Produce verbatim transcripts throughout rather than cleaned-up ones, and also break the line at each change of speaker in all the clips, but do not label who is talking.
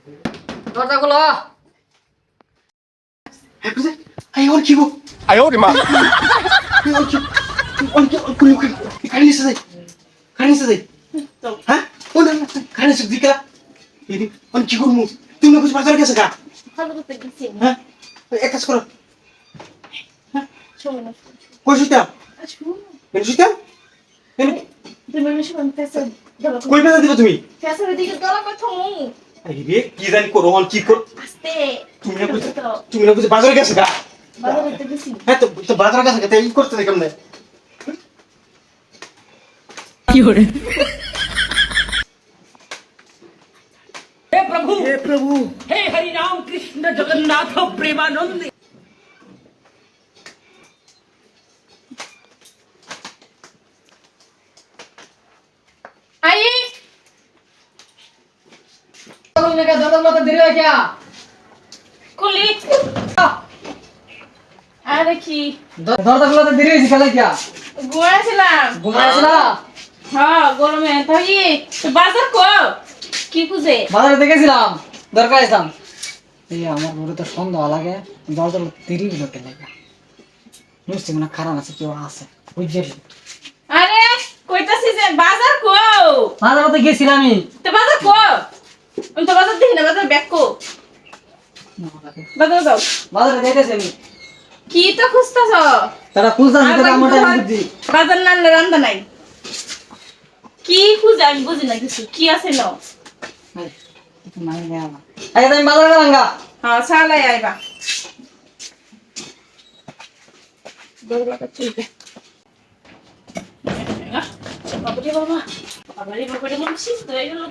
দরজা খোলো।
আই ওর কি গো?
哎呦我的妈！
ওর কি? ওর কি? ওর কি? কারি নিছে যাই। কারি নিছে যাই। হ্যাঁ? ও না না কারি নিছে দিকা। এই ওর কি করমু? তুমি না কিছু বাজার গেছে গা?
ভালো করতে গেছি।
হ্যাঁ? এক কাজ করো।
শোনো না।
কই শুইতা?
শোনো।
এনে শুইতা? এনে
তুমি এসে কোন ফেসে দলা
কই মেলা দিবা তুমি?
ফেসের দিকে দলা কথা মু।
আই রে কি জানি করো অন কি কর?
আস্তে।
তুমি না কিছু তুমি না কিছু বাজার গেছে গা?
ভালো করতে গেছি।
হ্যাঁ তো তো বাজার গেছে গা তাই ই করতে দেখাম না।
কি হরে? हे प्रभु
হে প্রভু
हे हरि राम कृष्ण जगन्नाथ प्रेमानंद।
आई
खोलने का दरवाजा तो देरी है क्या?
कुली আরে কি
दरवाजा खुला तो देरी है इसका क्या?
ঘুমাইছিলাম।
ঘুমাইছিলা?
হ্যাঁ গরমে তাই তো বাজার কো কি খুঁজে
বাজারে দেখেছিলাম, দরকার আইতাম। এই আমার বড় তো সন্দেহ লাগে, দরজা দেরি হলো কেন লাগা? নিশ্চয় মনে খারাপ আছে, কেউ আছে বুঝলি?
আরে কইতাছি যে বাজার কো
বাজারে তো গেছিলামই।
তো বাজার কো আমি তো বাজার দেখি না বাজার ব্যাক কো বাজার যাও
বাজারে দেখেছি আমি।
কি তো খুঁজতাছ
তারা খুঁজতাছে তো আমারটা বুঝি।
বাজার না রান্দা নাই কি খুঁজে আমি বুঝি না কিছু কি আছে ন
নাই না আমার। আগে তুমি বাজারে গেলাম গা।
হ্যাঁ চালাই আইবা দরবাটা চলবে বাবারে বাবা বাবারে বাবারে মন শীত হয়ে গেল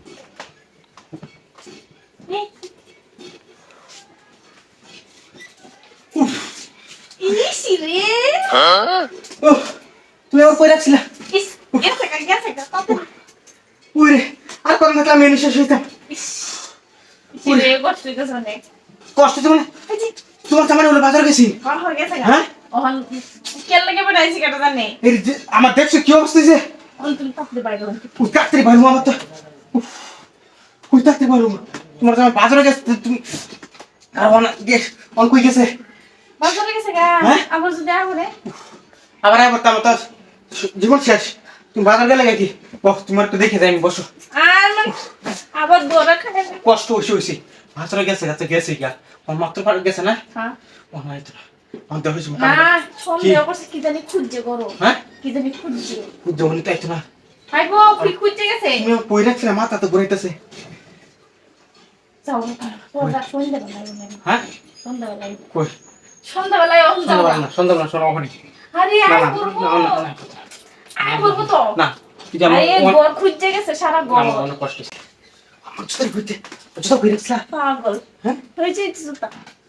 ইসি রে
ও তুমি আর কই রাখছিলা?
ইস গেছে গা গেছে গা কত
ওরে আর কোন থাকলাম মেনু শেষ হইতাম।
ইসি রে কষ্ট হইতাছে অনেক
কষ্ট তো মানে তোমার সামনে বলে বাজার গেছি।
কর হয়ে গেছে গা
হ্যাঁ?
ওহন কেন লাগে বড়াইছি কাটা জানে
এই যে আমার দেখছো কি অবস্থা হইছে?
ওহন তুমি তাপতে বাইরে
উই তাড়াতাড়ি বাইরে আমার তো উই তাড়াতাড়ি বাইরে তোমার সামনে বাজারে গেছে তুমি কারণ গেছ অন কই গেছে?
বাজারে গেছে গা
হ্যাঁ?
আবার যদি আগুরে
আবার আবার তো আমার তো জীবন শেষ। তুমি বাজার গেলে কি বস তোমার একটু দেখে যাই আমি বসো।
আর মানে আবার দৌড়া খায়
কষ্ট হইছে হইছে বাজারে গেছে গেছে গেছে গা আমার মাত্র পার গেছে না
হ্যাঁ
ও নাই তো আমি দেখো তুমি
না সন্দেহ করছে কি জানি খুঁজছে করো
হ্যাঁ
কি জানি খুঁজছে
জমনি তো একটু না
হাই গো কি খুঁজছে গেছে
তুমি কই রাখছিলে মাথা তো ঘুরাইতেছে।
যাও তোরা সন্ধ্যাবেলায়
হ্যাঁ
সন্ধ্যাবেলায়
কই
সন্ধ্যাবেলায় অন যাও
সন্ধ্যাবেলা না সন্ধ্যাবেলা শোনো ওখানে
আরে
না
আয়
না
করবো
না না না
আয় করবো তো
না এটা আমার
আরে
আমার
ঘর খুঁজছে গেছে সারা ঘর
আমার অনেক কষ্ট হচ্ছে আমার জুতা ঘুরতে জুতা ঘুরে রাখছিলা
পাগল
হ্যাঁ
হয়েছে জুতা